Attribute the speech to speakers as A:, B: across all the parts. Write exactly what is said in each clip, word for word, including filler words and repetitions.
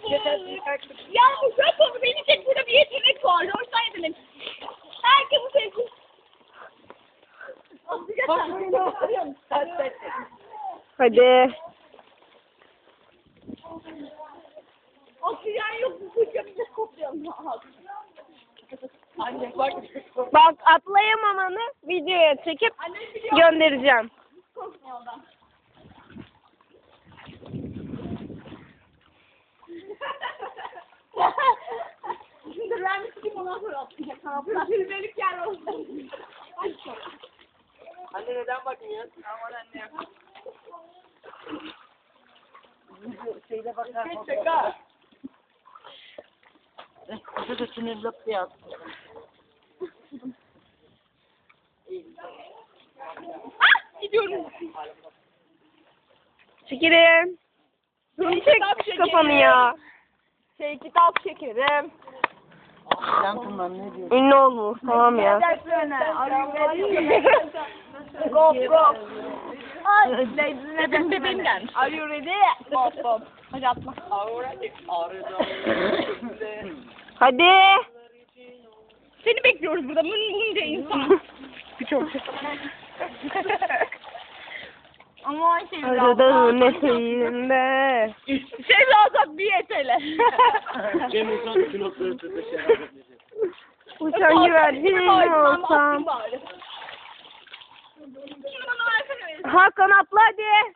A: Ya bu çok oldu. Beni tek burada bir yetenek var. Orta yetenek. Herkes bu sevgi.
B: Hadi.
A: Oksijen yok. Bu kuşa bize kopyalım. Anne bak.
B: Bak atlayamamanı videoya çekip
A: Anne biliyor.
B: göndereceğim.
A: Korkma ondan. Dur ben bir çıkayım ondan sonra atlayacak. Bir bölük yer olsun. Hadi sonra.
C: Anne neden bakmıyorsun? Aman anne. Şeyde bakar.
A: Geç şaka.
C: Kuşu da sinirli diye attı.
A: Ah gidiyorum.
B: Çekilin. Çek kafanı ya.
A: Şey kitap çekerim.
C: Yankınlar ne diyor?
B: Ünlü olmuş tamam ya.
A: Go go. Ay bebeğim bebeğim gelmiş. Are you ready? Hop hop. Hadi atma.
B: Hadi.
A: Seni bekliyoruz burada. Mın bunca insan.
B: Çok.
A: Aman şey
B: Arada nefesinde.
A: Şey lazım bir yetele.
C: Cem İnsan iki noktaları sırtlaşıyor.
B: Uçan güvercin olsam. Hakan atla hadi.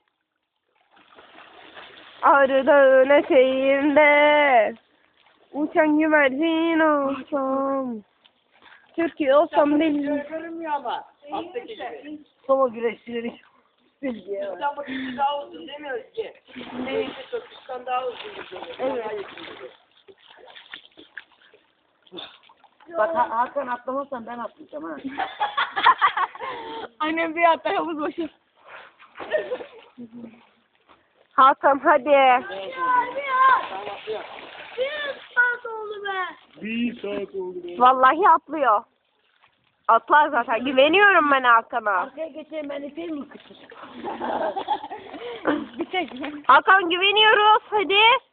B: Ağrı Dağı'nın eteğinde uçan güvercin olsam. Türkiye olsam değil.
C: Görünmüyor ama. Alttaki gibi. Soma güreşçileri bilgi. Sen bu ikisi daha uzun demiyoruz ki. Neyse Türkistan daha uzun. Evet. Bak ha Hakan atlamazsan ben atlayacağım ha.
A: Annem bir hatta havuz başı.
B: Hakan hadi.
A: Bir saat oldu be.
C: Bir saat oldu.
B: Vallahi atlıyor. Atlar zaten. Güveniyorum ben Hakan'a.
C: Arkaya geçeyim ben ipeyim mi kıçır?
A: Bir tek.
B: Hakan güveniyoruz. Hadi.